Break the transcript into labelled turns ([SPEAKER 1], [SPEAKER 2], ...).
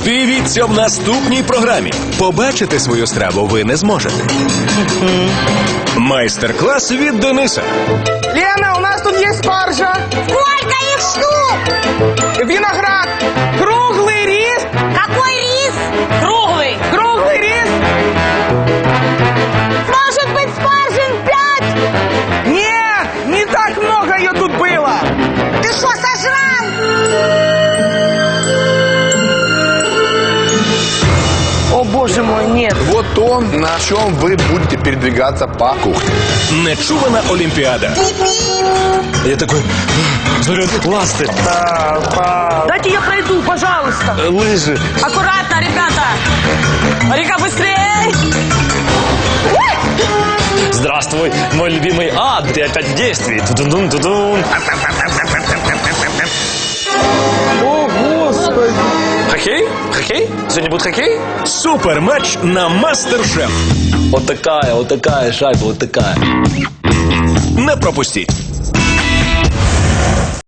[SPEAKER 1] Дивіться в наступній програмі. Побачити свою страву ви не зможете. Майстер-клас від Дениса.
[SPEAKER 2] Лена, у нас тут есть спаржа.
[SPEAKER 3] Сколько их штук?
[SPEAKER 2] Виноград. Круглый рис.
[SPEAKER 3] Какой рис? Круглый.
[SPEAKER 2] Круглый рис.
[SPEAKER 3] Может быть, спаржин 5?
[SPEAKER 2] Нет, не так много ее тут было.
[SPEAKER 3] Ты что, сожрал?
[SPEAKER 2] О, боже мой, нет.
[SPEAKER 4] Вот то, на чем вы будете передвигаться по кухне.
[SPEAKER 1] Нечувана Олімпіада.
[SPEAKER 5] Я такой, заряд ласты,
[SPEAKER 2] Дайте я пройду, пожалуйста.
[SPEAKER 5] лыжи.
[SPEAKER 3] Аккуратно, ребята. Река, быстрее.
[SPEAKER 5] Здравствуй, мой любимый ад, ты опять в действии. Тудун-тудун.
[SPEAKER 2] О, Господи.
[SPEAKER 5] Хоккей? Хоккей? Сегодня будет хоккей?
[SPEAKER 1] Суперматч на Мастер-Шеф.
[SPEAKER 5] Вот такая шайба, вот такая.
[SPEAKER 1] Не пропустіть.